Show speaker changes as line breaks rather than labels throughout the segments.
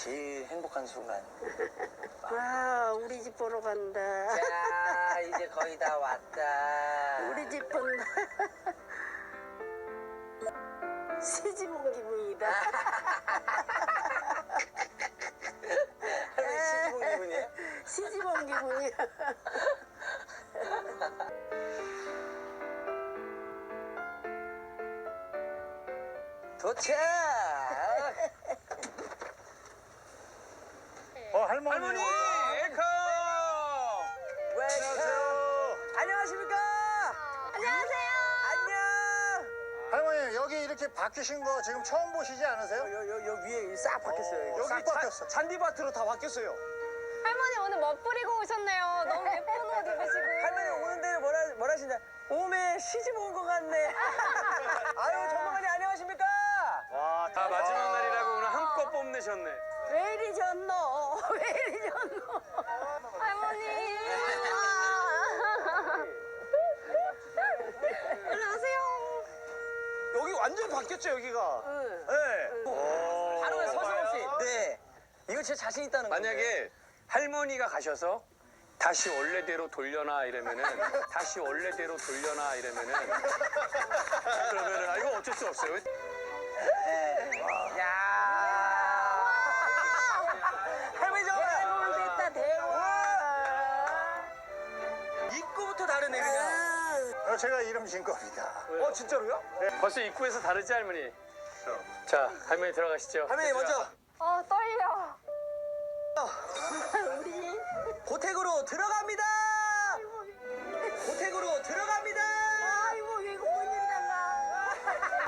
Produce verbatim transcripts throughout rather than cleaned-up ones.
제일 행복한 순간.
아, 우리 집 보러 간다.
자, 이제 거의 다 왔다.
우리 집 본다. 시집 온 기분이다.
할머니 시집 온 기분이에요?
시집 온 기분이야.
도착!
어, 할머니.
할머니! 웰컴! 웰컴! 안녕하십니까?
안녕하세요.
안녕!
할머니, 여기 이렇게 바뀌신 거 지금 처음 보시지 않으세요?
여, 여, 여 위에 싹 바뀌었어요.
어, 여기
싹
바뀌었어.
잔디밭으로 다 바뀌었어요.
할머니 오늘 멋부리고 오셨네요. 너무 예쁜 옷 입으시고.
할머니 오는 데는 뭐라, 뭐라 하시냐? 오메 시집 온 것 같네. 아유, 전문가님 안녕하십니까?
와, 다 마지막 날이라고 오늘 한껏 뽐내셨네.
왜 이리 졌노? 왜 이리 졌노?
할머니. 안녕하세요.
여기 완전 바뀌었죠, 여기가?
응.
네. 하루에 서슴없이. 네. 이거 진짜 자신 있다는 거예요.
만약에 할머니가 가셔서 다시 원래대로 돌려놔 이러면은 다시 원래대로 돌려놔 이러면은 그러면은 아 이거 어쩔 수 없어요.
야. 할머니 저거
대왕 됐다, 대왕.
입구부터 다르네 그냥.
어, 제가 이름 진 겁니다.
어 진짜로요?
벌써 입구에서 다르지 할머니? 자 할머니 들어가시죠.
할머니 먼저
어 떨려.
우리
고택으로 들어갑니다. 고택으로 들어갑니다.
아이고 이거 뭔 일이란가.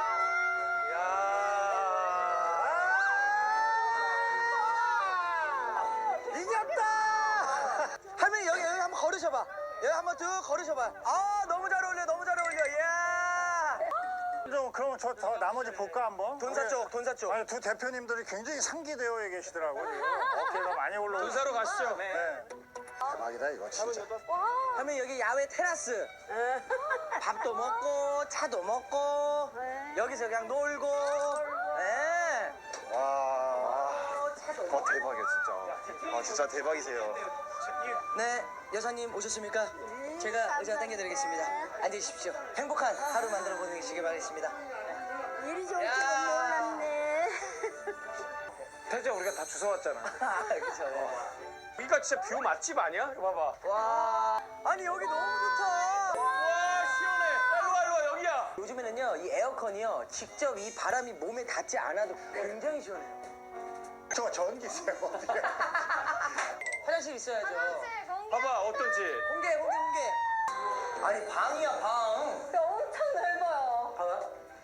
이겼다. 할머니 여기 여기 한번 걸으셔봐. 여기 한번 쭉 걸으셔봐. 아 너무 잘 어울려 너무 잘 어울려. 이야.
좀 그러면 저 더 나머지 볼까 한번?
돈사 쪽 돈사 쪽.
아니, 두 대표님들이 굉장히 상기되어 계시더라고요. 어깨가 많이 올라오고.
군사로 가시죠.
네.
네. 대박이다 이거 진짜.
할머니 여기 야외 테라스. 밥도 먹고 차도 먹고 여기서 그냥 놀고. 네.
와, 어, 대박이야 진짜. 아 진짜 대박이세요.
네, 여사님 오셨습니까? 제가 의자 당겨드리겠습니다. 앉으십시오. 행복한 하루 만들어 보내시길 바라겠습니다.
일이 좋을 줄은 몰랐네.
태자 우리가 다 주워 왔잖아.
아, 그렇죠.
여기가 진짜 뷰 맛집 아니야? 이거 봐봐.
와, 아니 여기 너무 좋다.
와 시원해. 일로 와 일로 와 여기야.
요즘에는요, 이 에어컨이요, 직접 이 바람이 몸에 닿지 않아도 굉장히 시원해요.
저 전기세요. 어떻게?
화장실 있어야죠.
봐봐 어떤지.
공개, 공개, 공개. 아니 방이야 방.
진짜 엄청 넓어요.
봐봐.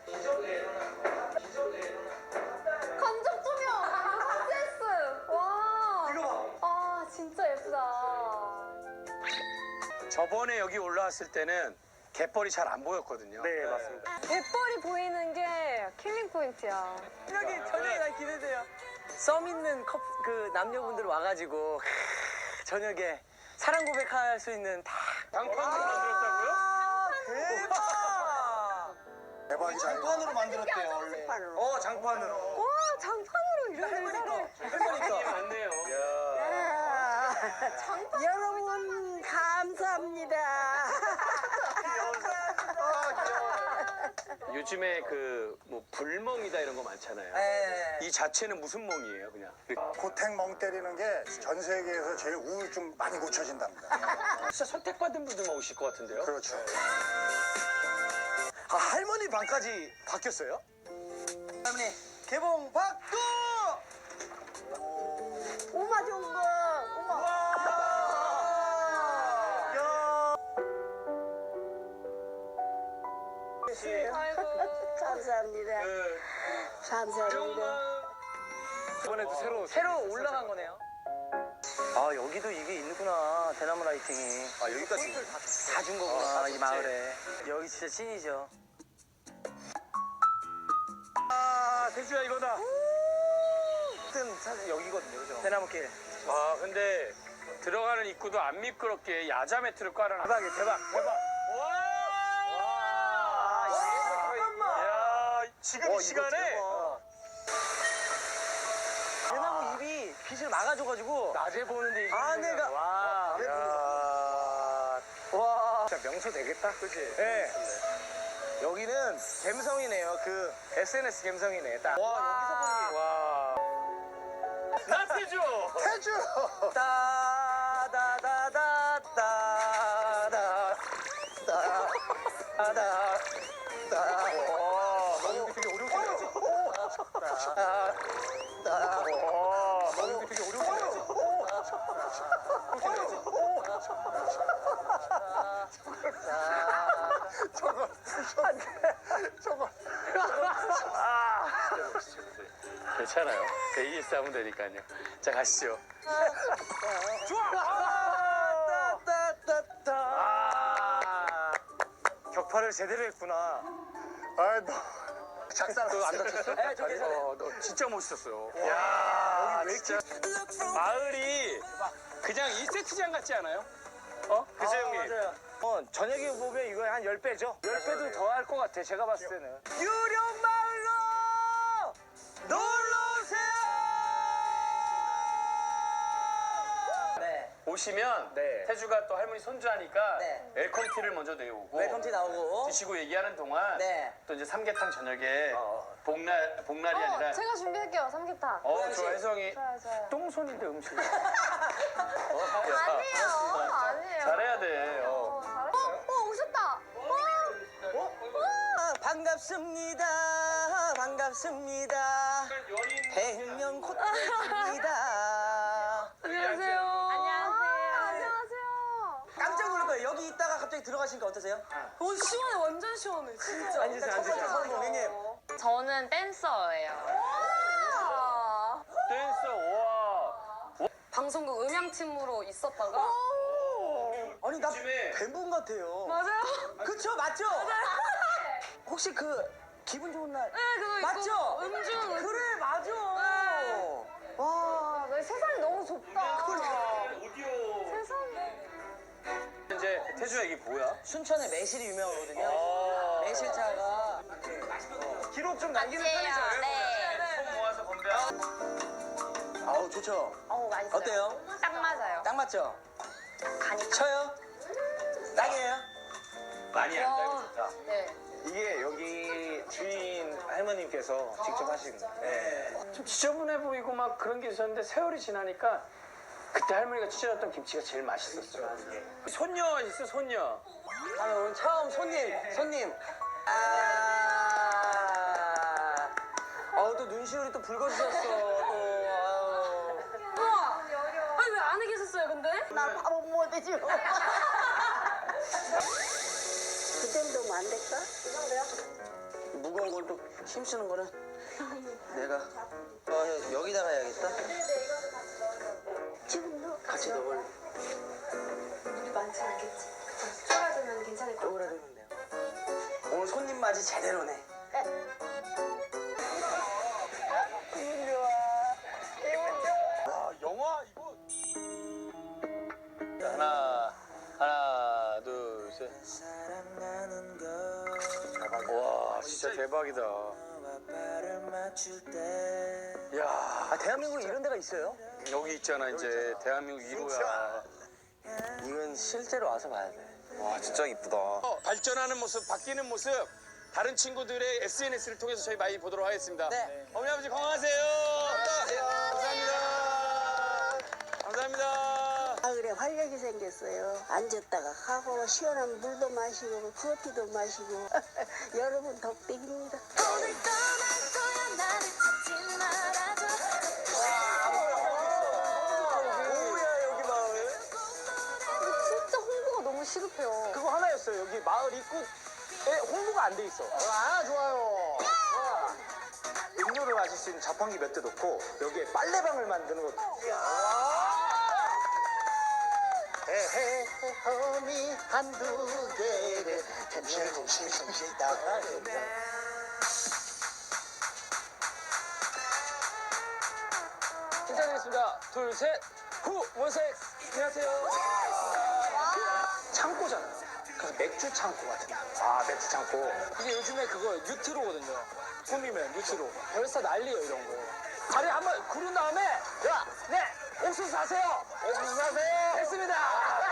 간접 조명. 센스. 와.
이거 봐.
아 진짜 예쁘다.
저번에 여기 올라왔을 때는 갯벌이 잘 안 보였거든요.
네 맞습니다.
갯벌이 보이는 게 킬링 포인트야.
저녁에 저녁에 난 기대돼요. 썸 있는 커, 그 남녀분들 와가지고 크, 저녁에 사랑 고백할 수 있는 다.
장판으로 만들었다고요?
아, 대박.
대박이다.
장판으로 만들었대요 원래.
어 장판으로.
와 장판으로 이런
할머니까
의자를.
할머니까.
맞네요.
아, 여러분 감사합니다.
요즘에 그 뭐 불멍이다 이런 거 많잖아요.
네.
이 자체는 무슨 멍이에요, 그냥?
고택 멍 때리는 게 전 세계에서 제일 우울증 많이 고쳐진답니다.
진짜 선택받은 분들만 오실 것 같은데요?
그렇죠.
아, 할머니 방까지 바뀌었어요? 할머니 개봉 박두!
오마 좋은 거. 오마.
아이고.
감사합니다.
그,
감사합니다.
이번에도 새로
새로 올라간 거네요. 아 여기도 이게 있구나 대나무 라이팅이.
아 여기까지.
다 준 거구나 이 마을에. 여기 진짜 찐이죠.
아, 태주야 이거다.
하여튼 사실 여기거든요, 그죠? 대나무길.
아, 근데 들어가는 입구도 안 미끄럽게 야자 매트를 깔아놔.
대박이야, 대박, 대박.
와!
와, 잠깐만.
야, 지금
와,
이
이거
시간에
대박.
대나무 잎이 빛을 막아줘가지고
낮에 보는데 이게
아내가
와.
야, 와,
진짜 명소 되겠다. 그치?
네. 여기는 갬성이네요. 그 에스엔에스 갬성이네. 딱. 와, 여기서 보니.
와. 나태주.
태주.
따다다다다다 따다다 따. 와, 너무 되게 어려운 거지. 따. 따.
와. 너무 되게 어려운 거지.
저거 저거
괜찮아요. 에이에스 하면 되니까요. 자, 가시죠.
따따따따. 아, 격파를 제대로 했구나.
아너 작살
너안 다쳤어?
네, 저 괜찮아요.
어, 너 진짜 멋있었어요. 야, 진짜 마을이 그냥 이 세트장 같지 않아요? 어? 그죠, 형님?
맞아요. 어, 저녁에 보면 이거 한 십 배죠? 십 배도 더 할 것 같아, 제가 봤을 때는. 유령마을로 놀러오세요! 네.
오시면
네.
태주가 또 할머니 손주하니까
네.
웰컴티를 먼저 내오고
웰컴티 나오고.
드시고 얘기하는 동안
네.
또 이제 삼계탕 저녁에
어.
복날, 복날이
어,
아니라
제가 준비할게요. 삼계탕.
어, 좋아, 혜성이
좋아요, 좋아요.
똥손인데 음식. 어, 야.
아니에요, 아니에요.
잘해야 돼. 어.
어, 잘했어요. 어, 어, 오셨다.
아, 반갑습니다. 반갑습니다. 대형 코트입니다.
안녕하세요. 안녕하세요. 안녕하세요.
깜짝 놀랄 거예요. 여기 있다가 갑자기 들어가시니까 어떠세요?
어, 시원해. 완전 시원해. 진짜.
앉으세요, 앉으세요. 선생님.
저는 댄서예요.
댄서, 와.
방송국 음향팀으로 있었다가
아니, 나
요즘에-
뱀분 같아요.
맞아요.
그쵸, 맞죠? 혹시 그 기분 좋은 날
네, 그거 있고
맞죠?
음중.
그래, 맞아.
와, 나 세상이 너무 좁다.
오디오.
세상에.
이제 태주 얘기 뭐야?
순천에 매실이 유명하거든요.
아.
매실차가 어, 기록 좀 남기는 편이죠.
네.
손 모아서 건배하고.
아우, 좋죠.
어우, 맛있어요.
어때요?
딱 맞아요.
딱 맞죠?
간이
쳐요? 딱이에요?
많이 안 달고
와.
좋다.
네.
이게 여기 주인 할머님께서 직접 하신
네.
좀 지저분해 보이고 막 그런 게 있었는데 세월이 지나니까 그때 할머니가 찢어졌던 김치가 제일 맛있었어요. 손녀 있어, 손녀.
아, 오늘 처음 손님, 손님. 아, 어우, 또 눈시울이 또 붉어지셨어, 또. 아우.
우와. 아니, 왜 안에 계셨어요, 근데?
나 밥은 못해줘. 그 정도면 안 될까?
무거운 걸 또 힘쓰는 거는 내가 어, 여기다가 해야겠다.
지금 너
같이 넣을
물이 많지 않겠지. 쪼그라들면 괜찮을 것 같아.
쪼그라들면 돼요. 오늘 손님 맞이 제대로네.
아, 영화 이거. 하나, 하나, 둘, 셋. 와, 진짜 대박이다. 야,
아, 대한민국에 이런 데가 있어요?
여기 있잖아, 이제 대한민국 일 호야.
이건 실제로 와서 봐야 돼.
와 진짜 이쁘다.
어, 발전하는 모습, 바뀌는 모습, 다른 친구들의 에스엔에스를 통해서 저희 많이 보도록 하겠습니다.
네.
어머니 아버지 건강하세요. 감사합니다. 감사합니다.
마을에 활력이 생겼어요. 앉았다가 가고 시원한 물도 마시고 커피도 마시고 여러분 덕택입니다.
뭐야, 여기 마을.
진짜 홍보가 너무 시급해요.
그거 하나였어요. 여기 마을 입구에 홍보가 안 돼 있어.
아 좋아요.
음료를 마실 수 있는 자판기 몇 대 놓고 여기에 빨래방을 만드는 것도.
에헤 험이 한두 개를 햄실햄실햄실 따가는데
인사드리겠습니다. 둘, 셋. 후, 원색. 안녕하세요.
창고잖아. 그래서 맥주 창고 같은 거. 아 맥주 창고.
이게 요즘에 그거 뉴트로거든요. 꾸미면 뉴트로. 벌써 난리예요, 이런 거. 다리 한번 구른 다음에 야, 네, 옥수수 사세요. 옥수수 사세요. 됐습니다.